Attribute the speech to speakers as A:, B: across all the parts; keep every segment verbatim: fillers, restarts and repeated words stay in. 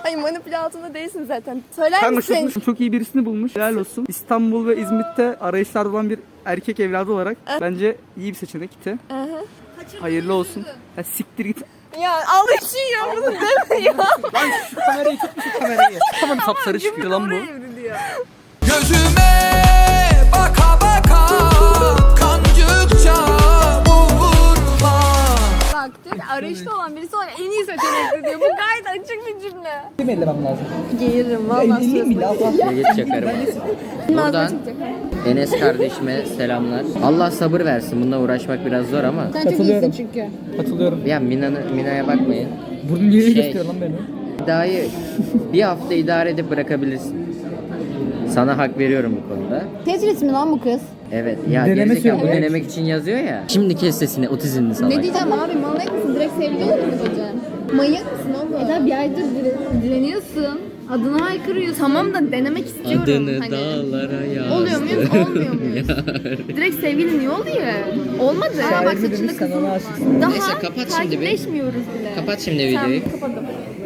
A: Ay manipüle altında değilsin zaten. Söyler
B: Kanka
A: misin?
B: çok, çok iyi birisini bulmuş. Helal olsun. İstanbul ve İzmit'te arayışlarda olan bir erkek evladı olarak bence iyi bir seçenekti.
A: Aha.
B: Hayırlı olsun. Ya siktir git.
A: Ya Allah için ya bunu deme ya.
B: Lan şu kamerayı tut, şu kamerayı. Tamam sapsarı çıkıyor lan bu.
C: Gözüme baka baka kancıkça vurma.
A: Bak diyor ki arayışta olan birisi var en iyi seçenekli diyor. Bu gayet açık bir cümle.
B: Kim ellemem lazım?
A: Geğiririm valla.
B: Elleyeyim bile Allah.
D: Geç çakarım. Buradan Enes kardeşime selamlar. Allah sabır versin. Bununla uğraşmak biraz zor ama.
A: Sen çok iyisin çünkü.
B: Katılıyorum.
D: Ya Mina'nın Mina'ya bakmayın.
B: Burnun niye
D: Şey-
B: gösteriyor lan beni?
D: İddiayı bir hafta idare edip bırakabilirsin. Sana hak veriyorum bu konuda.
A: Tetris mi lan bu kız?
D: Evet. Ya
B: Deneme
D: gerizekalı bu
B: sürüyor.
D: denemek için yazıyor ya. Şimdi kes sesini otizmli salak.
A: Ne diyeceğim abi manyak mısın? Direkt sevgili olur mu diyeceğim? Manyak mısın oğlum? Eda bir aydır dire direniyorsun. Adını haykırıyorsun. Tamam da denemek istiyorum.
D: Adını
A: hani.
D: dağlara yaz.
A: Oluyor muyuz olmuyor muyuz? Direkt sevgili niye oluyor? Olmadı.
B: Şair
A: Bak
B: mi
A: saçında
B: demiş,
A: kızıl
B: sana
A: var.
B: aşıksın.
A: Daha
D: Neyse, kapat şimdi bir.
A: takipleşmiyoruz bile.
D: Kapat şimdi videoyu.
A: Tamam kapadım.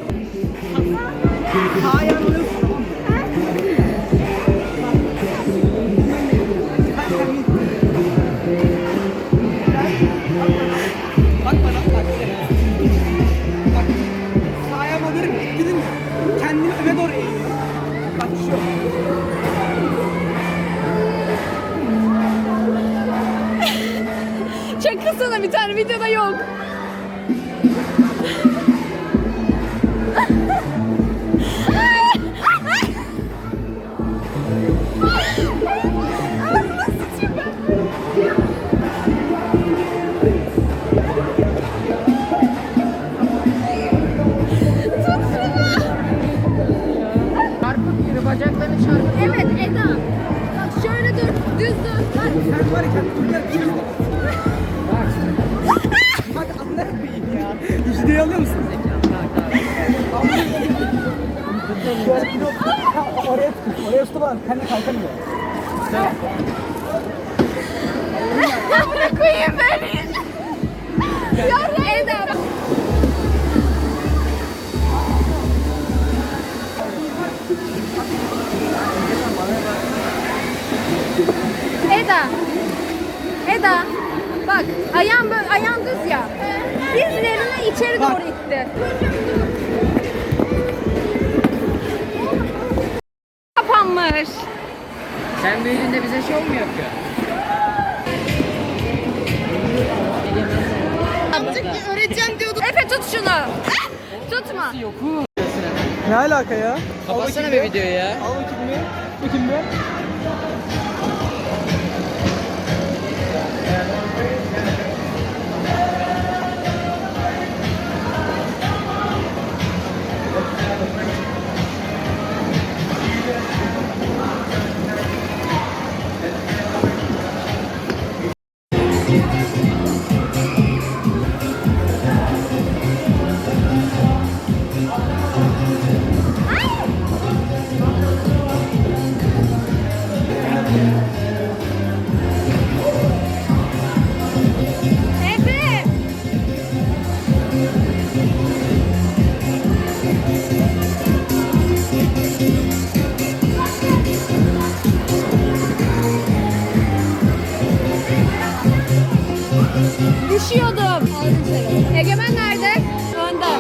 B: Bak bana bak. Bak. Sağa alırım. Gidin. Kendimi öne doğru eğiyorum. Bak şu.
A: Çakılsana bir tane videoda yok.
D: Çarpık yürü bacaklarını çarpık.
A: Evet Eda. Bak şöyle dur. Düz dur. Bak.
B: Sen var ya kendini öne eğiyorum. Bak anlar koyayım ya. Yüzdeyi alıyor musun? Ha, oraya tut. Oraya tut lan. Kendi kalkamıyor.
A: Bırak koyayım beni. Ya Eda bak. Eda. Eda. Bak ayağın böyle ayağın düz ya. Dizlerini içeri doğru itti. Kapanmış.
D: Sen büyüdüğünde bize şov mu yapıyorsun?
A: Öğreteceğim diyordum. Efe tut şunu. Tutma.
B: Ne alaka ya?
D: Kapatsana bir videoyu ya.
B: Al bakayım bir. Bakayım bir.
A: Efe. Düşüyordum. Egemen nerede? Önde.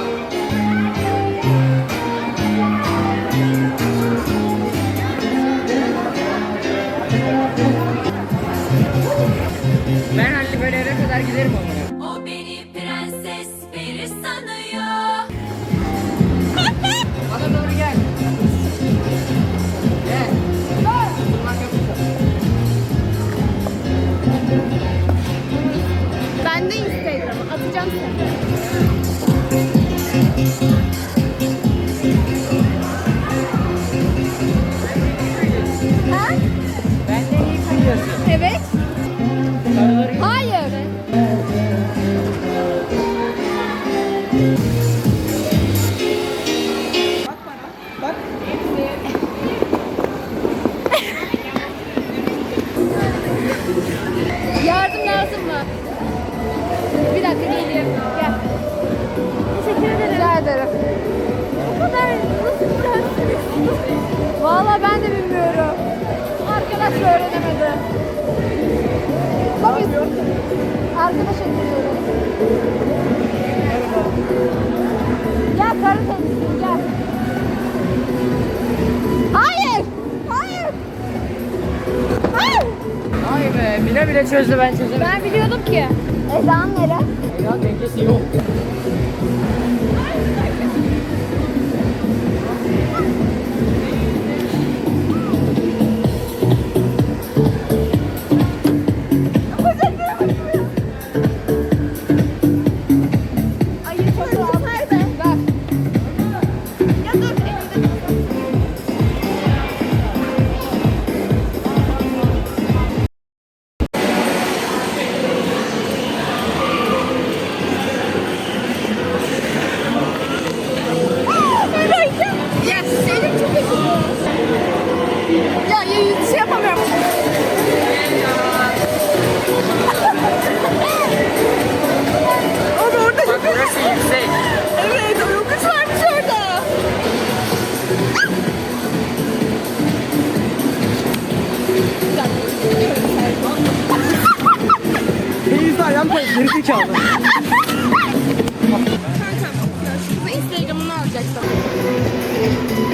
D: Ben halli böyle yere kadar giderim onlara.
E: O beni prenses peri sanıyor.
D: Bana doğru gel. Gel. Bunlar yapacağım.
A: Ben de Instagram'a atacağım seni. Ha?
D: Benden iyi kayıyorsun.
A: Evet. Hayır.
B: Bak.
A: Yardım lazım mı? Bir dakika geleyim. Gel. Teşekkür ederim. Rica ederim. Bu kadar Vallahi ben de bilmiyorum. Arkadaş öğrenemedi. Tabii. Arkadaş ediniyorum. Gel karı temizliğin gel. Hayır. Hayır. Hayır.
D: Vay be, bile bile çözdü, ben çözemedim.
A: Ben biliyordum ki. Ezan nere?
D: Ya dengesi yok.
A: Hayır çok rahat. Nerede? Ver. Ya dur elimde. Ya Selim çok acıyor. Ya ya şey yapamıyorum. Ama orada
D: Bak burası yüksek.
A: evet yokuş varmış orada.
B: Denizde ayağım kayıp. Geri zekalı.
A: Instagram'ını alacaksın.